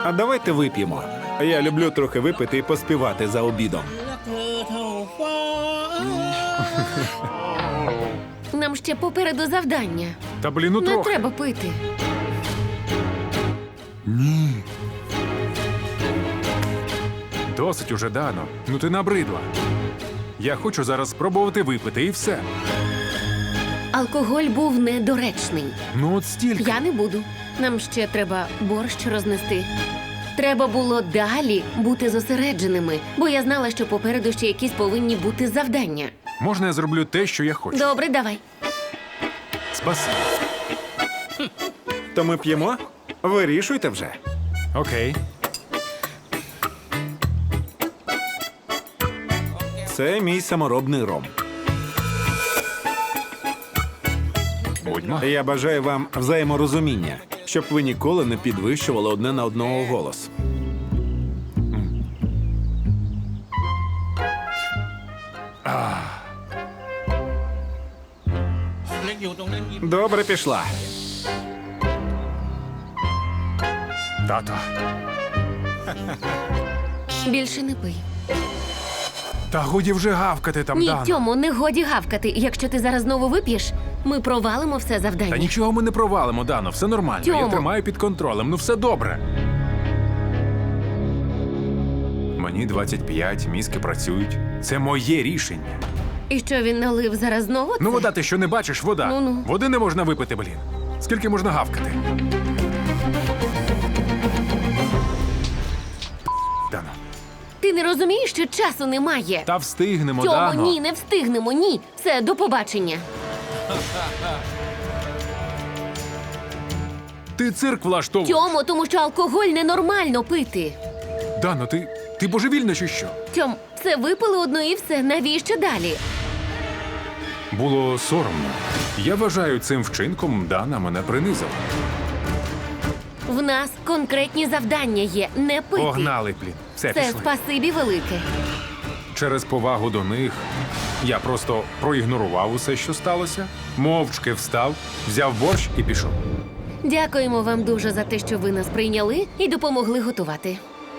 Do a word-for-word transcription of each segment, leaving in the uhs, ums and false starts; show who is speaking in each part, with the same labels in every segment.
Speaker 1: А давайте вип'ємо. Я люблю трохи випити і поспівати за обідом.
Speaker 2: Нам ще попереду завдання.
Speaker 3: Та блін, ну
Speaker 2: Не
Speaker 3: трохи.
Speaker 2: треба пити.
Speaker 3: Досить уже, Дано. Ну ти набридла. Я хочу зараз спробувати випити і все.
Speaker 2: Алкоголь був недоречний.
Speaker 3: Ну от стільки.
Speaker 2: Я не буду. Нам ще треба борщ рознести. Треба було далі бути зосередженими, бо я знала, що попереду ще якісь повинні бути завдання.
Speaker 3: Можна я зроблю те, що я хочу?
Speaker 2: Добре, давай.
Speaker 3: Спасибі.
Speaker 1: То ми п'ємо? Вирішуйте вже.
Speaker 3: Окей.
Speaker 1: Це мій саморобний ром.
Speaker 3: Будьмо.
Speaker 1: Я бажаю вам взаєморозуміння, щоб ви ніколи не підвищували одне на одного голос. Добре пішла.
Speaker 3: Тато.
Speaker 2: Більше не пий.
Speaker 3: Та годі вже гавкати там,
Speaker 2: Ні,
Speaker 3: Дано.
Speaker 2: Тьому, не годі гавкати. Якщо ти зараз знову вип'єш, ми провалимо все
Speaker 3: Та
Speaker 2: завдання.
Speaker 3: нічого ми не провалимо, Дано, все нормально. Я
Speaker 2: Тьому.
Speaker 3: тримаю під контролем, ну все добре. Мені двадцять п'ять, мізки працюють. Це моє рішення.
Speaker 2: І що він налив зараз знову?
Speaker 3: Ну,
Speaker 2: це?
Speaker 3: вода, ти що не бачиш, вода.
Speaker 2: Ну-ну.
Speaker 3: Води не можна випити, блін. Скільки можна гавкати? Дано.
Speaker 2: Ти не розумієш, що часу немає?
Speaker 3: Та встигнемо,
Speaker 2: Тьому,
Speaker 3: Дано.
Speaker 2: ні, не встигнемо, ні. Все, до побачення.
Speaker 3: Ти цирк влаштовуєш.
Speaker 2: Тьому, тому що алкоголь ненормально пити.
Speaker 3: Дано, ти, ти божевільна чи що?
Speaker 2: Тьом, все випили одно і все. Навіщо далі?
Speaker 3: Було соромно. Я вважаю, цим вчинком Дана мене принизила.
Speaker 2: В нас конкретні завдання є. Не пити.
Speaker 3: Погнали, блін. Все,
Speaker 2: Це
Speaker 3: пішли.
Speaker 2: спасибі велике.
Speaker 3: Через повагу до них я просто проігнорував усе, що сталося, мовчки встав, взяв борщ і пішов.
Speaker 2: Дякуємо вам дуже за те, що ви нас прийняли і допомогли готувати.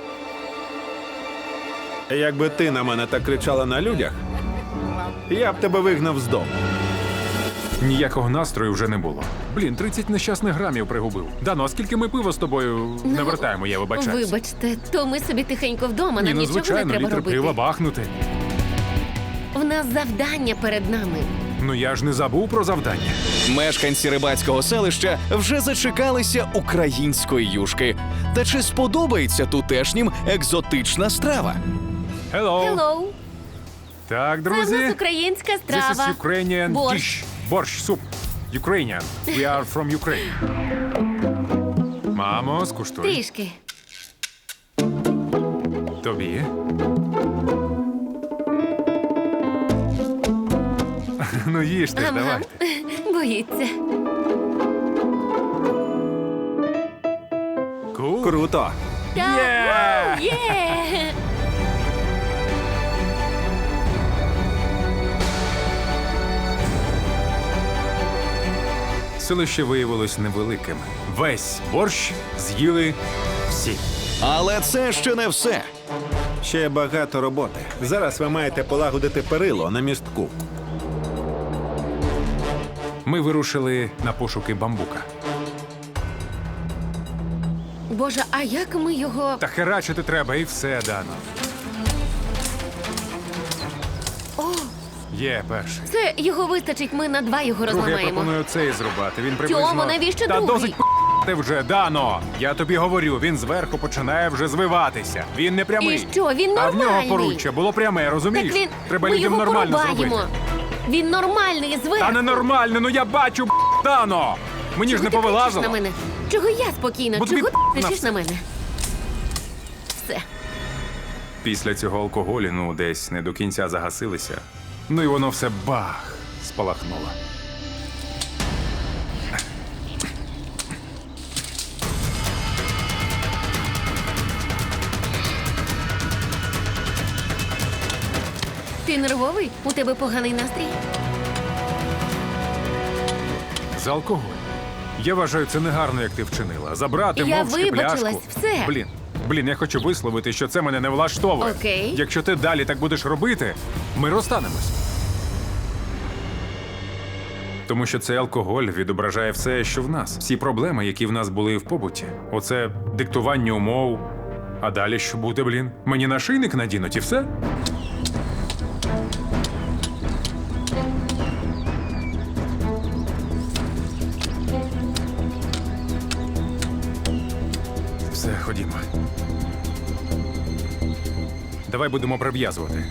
Speaker 1: Якби ти на мене так кричала на людях, я б тебе вигнав з дому.
Speaker 3: Ніякого настрою вже не було. Блін, тридцять нещасних грамів пригубив. Дано, а скільки ми пива з тобою не вертаємо, я вибачаюсь.
Speaker 2: Вибачте, то ми собі тихенько вдома,
Speaker 3: Ні,
Speaker 2: нам
Speaker 3: ну
Speaker 2: нічого не
Speaker 3: звичайно,
Speaker 2: треба
Speaker 3: літр
Speaker 2: робити.
Speaker 3: пива бахнути.
Speaker 2: В нас завдання перед нами.
Speaker 3: Ну я ж не забув про завдання.
Speaker 4: Мешканці рибацького селища вже зачекалися української юшки. Та чи сподобається тутешнім екзотична страва?
Speaker 3: Hello.
Speaker 2: Hello!
Speaker 3: Так,
Speaker 2: Це в
Speaker 3: друзі.
Speaker 2: нас українська
Speaker 3: This
Speaker 2: страва.
Speaker 3: is Ukrainian
Speaker 2: Борщ.
Speaker 3: dish. Борщ, суп. Ukrainian. We are from Ukraine. Мамо, скуштуй.
Speaker 2: Трішки.
Speaker 3: Тобі. Ну їжте ж,
Speaker 2: Ага.
Speaker 3: давайте.
Speaker 2: Боїться.
Speaker 3: Cool.
Speaker 1: Круто.
Speaker 2: Так,
Speaker 3: Є!
Speaker 2: вау, є!
Speaker 3: Селище виявилось невеликим. Весь борщ з'їли всі.
Speaker 4: Але це ще не все.
Speaker 1: Ще багато роботи. Зараз ви маєте полагодити перило на містку.
Speaker 3: Ми вирушили на пошуки бамбука.
Speaker 2: Боже, а як ми його...
Speaker 3: Та херачити треба і все, Дано.
Speaker 2: О,
Speaker 3: Є перший.
Speaker 2: це його вистачить, ми на два його
Speaker 3: Другий я
Speaker 2: розламаємо.
Speaker 3: пропоную цей зрубати. Він приблизно...
Speaker 2: Тьомо, навіщо
Speaker 3: Та
Speaker 2: другий?
Speaker 3: досить п***ти вже, Дано! Я тобі говорю, він зверху починає вже звиватися. Він не прямий.
Speaker 2: І що, він
Speaker 3: А в нього
Speaker 2: нормальний.
Speaker 3: поруччя було пряме, розумієш?
Speaker 2: Так він...
Speaker 3: Треба
Speaker 2: ми
Speaker 3: людям
Speaker 2: його
Speaker 3: нормально
Speaker 2: порубаємо.
Speaker 3: зробити.
Speaker 2: Він нормальний, зверху.
Speaker 3: Та ненормально, ну я бачу, п***, Дано! Мені ж
Speaker 2: Чого
Speaker 3: не
Speaker 2: ти кричиш
Speaker 3: повилазило.
Speaker 2: на мене? Чого я спокійна?
Speaker 3: Бо тобі
Speaker 2: Чого ти
Speaker 3: на
Speaker 2: кричиш
Speaker 3: все.
Speaker 2: на мене? Все.
Speaker 3: Після цього алкоголю, ну, десь не до кінця загасилися. Ну і воно все бах, спалахнуло.
Speaker 2: Ти нервовий? У тебе поганий настрій?
Speaker 3: За алкоголь. Я вважаю, це негарно, як ти вчинила. Забрати
Speaker 2: Я
Speaker 3: мовчки
Speaker 2: вибачилась,
Speaker 3: пляшку.
Speaker 2: все.
Speaker 3: Блін, блін, я хочу висловити, що це мене не влаштовує.
Speaker 2: Окей.
Speaker 3: Якщо ти далі так будеш робити, ми розстанемось. Тому що цей алкоголь відображає все, що в нас. Всі проблеми, які в нас були в побуті. Оце диктування умов. А далі що буде, блін? Мені нашийник надінуть і все? Все, ходімо. Давай будемо прив'язувати.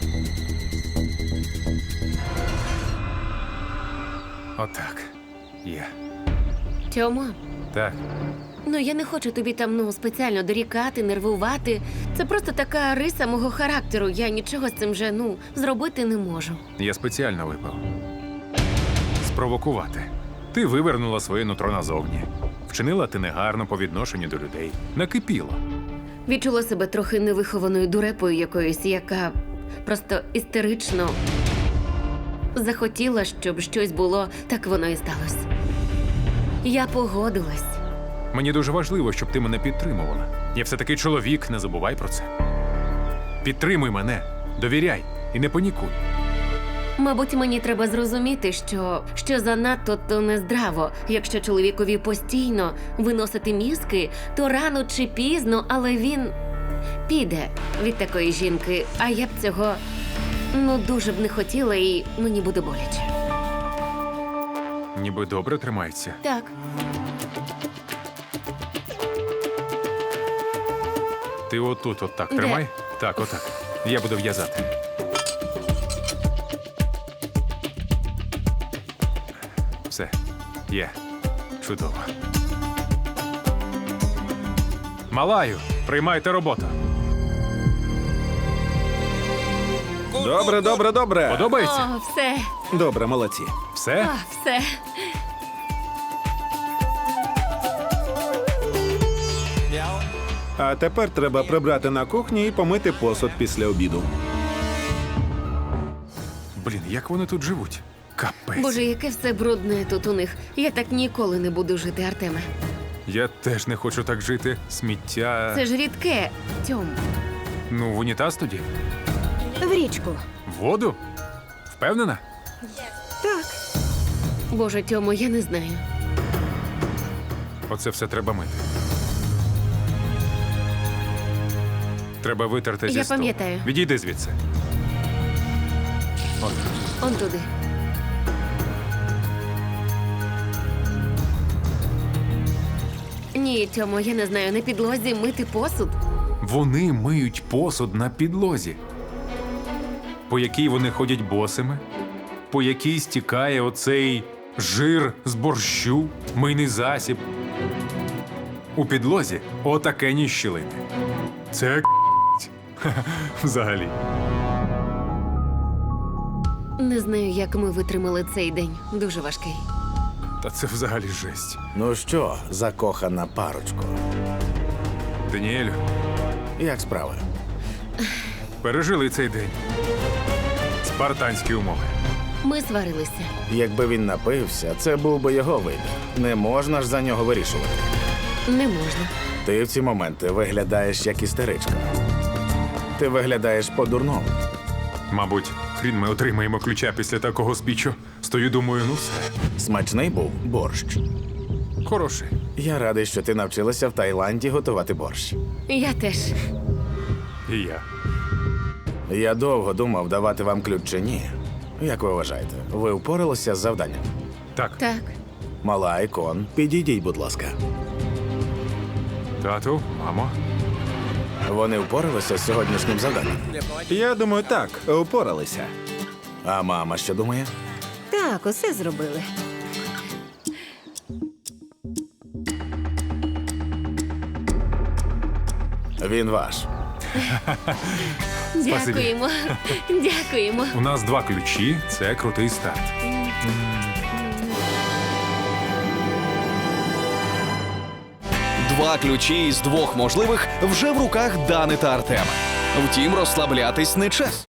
Speaker 3: Отак. Є.
Speaker 2: Тьомо,
Speaker 3: Так.
Speaker 2: ну я не хочу тобі там ну спеціально дорікати, нервувати. Це просто така риса мого характеру. Я нічого з цим вже ну зробити не можу.
Speaker 3: Я спеціально випив. Спровокувати. Ти вивернула своє нутро назовні. Вчинила ти негарно по відношенню до людей. Накипіла.
Speaker 2: Відчула себе трохи невихованою дурепою якоюсь, яка просто істерично захотіла, щоб щось було, так воно і сталося. Я погодилась.
Speaker 3: Мені дуже важливо, щоб ти мене підтримувала. Я все-таки чоловік, не забувай про це. Підтримуй мене, довіряй і не панікуй.
Speaker 2: Мабуть, мені треба зрозуміти, що, що занадто то нездраво. Якщо чоловікові постійно виносити мізки, то рано чи пізно, але він піде від такої жінки. А я б цього ну дуже б не хотіла, і мені буде боляче.
Speaker 3: Ніби добре тримається.
Speaker 2: Так,
Speaker 3: Ти отут, от так
Speaker 2: Де?
Speaker 3: тримай. Так, отак. Я буду в'язати. Все. Є. Чудово. Малаю, приймайте роботу.
Speaker 1: Добре, добре, добре.
Speaker 3: Подобається?
Speaker 2: о, все,
Speaker 1: Добре, молодці.
Speaker 3: Все?
Speaker 2: о, все.
Speaker 1: А тепер треба прибрати на кухні і помити посуд після обіду.
Speaker 3: Блін, як вони тут живуть? Капець.
Speaker 2: Боже, яке все брудне тут у них. Я так ніколи не буду жити, Артеме.
Speaker 3: Я теж не хочу так жити. Сміття.
Speaker 2: Це ж рідке, Тьом.
Speaker 3: Ну, в унітаз тоді?
Speaker 5: В річку.
Speaker 3: В воду? Впевнена?
Speaker 5: Так.
Speaker 2: Боже, Тьомо, я не знаю.
Speaker 3: Оце все треба мити. Треба витерти зі
Speaker 2: Я
Speaker 3: столу.
Speaker 2: пам'ятаю.
Speaker 3: Відійди звідси. От.
Speaker 2: Он туди. Ні, Тьомо, я не знаю, на підлозі мити посуд.
Speaker 3: Вони миють посуд на підлозі, по якій вони ходять босими, по якій стікає оцей жир з борщу, мийний засіб. У підлозі отакені щілини. Це ка***ть. Взагалі.
Speaker 2: Не знаю, як ми витримали цей день. Дуже важкий.
Speaker 3: Та це взагалі жесть.
Speaker 6: Ну що, закохана парочко,
Speaker 3: Даніелю,
Speaker 6: як справи?
Speaker 3: пережили цей день. Спартанські умови.
Speaker 2: Ми сварилися.
Speaker 6: Якби він напився, це був би його вибір. Не можна ж за нього вирішувати.
Speaker 2: Не можна.
Speaker 6: Ти в ці моменти виглядаєш як істеричка. Ти виглядаєш по-дурному.
Speaker 3: Мабуть, хрін ми отримаємо ключа після такого спічу. Стою, думаю, ну все.
Speaker 6: Смачний був борщ.
Speaker 3: Хороший.
Speaker 6: Я радий, що ти навчилася в Таїланді готувати борщ.
Speaker 2: Я теж.
Speaker 3: І я.
Speaker 6: Я довго думав, давати вам ключ чи ні. Як ви вважаєте, ви впоралися з завданням?
Speaker 3: Так,
Speaker 2: Так.
Speaker 6: Мала Айкон, підійдіть, будь ласка.
Speaker 3: тату, мамо.
Speaker 6: Вони впоралися з сьогоднішнім завданням.
Speaker 1: Я думаю, так, упоралися.
Speaker 6: А мама що думає?
Speaker 5: Так, усе зробили.
Speaker 6: Він ваш.
Speaker 2: Дякуємо. Дякуємо.
Speaker 3: У нас два ключі, це крутий старт.
Speaker 4: Два ключі із двох можливих вже в руках Дани та Артема. Втім, розслаблятись не час.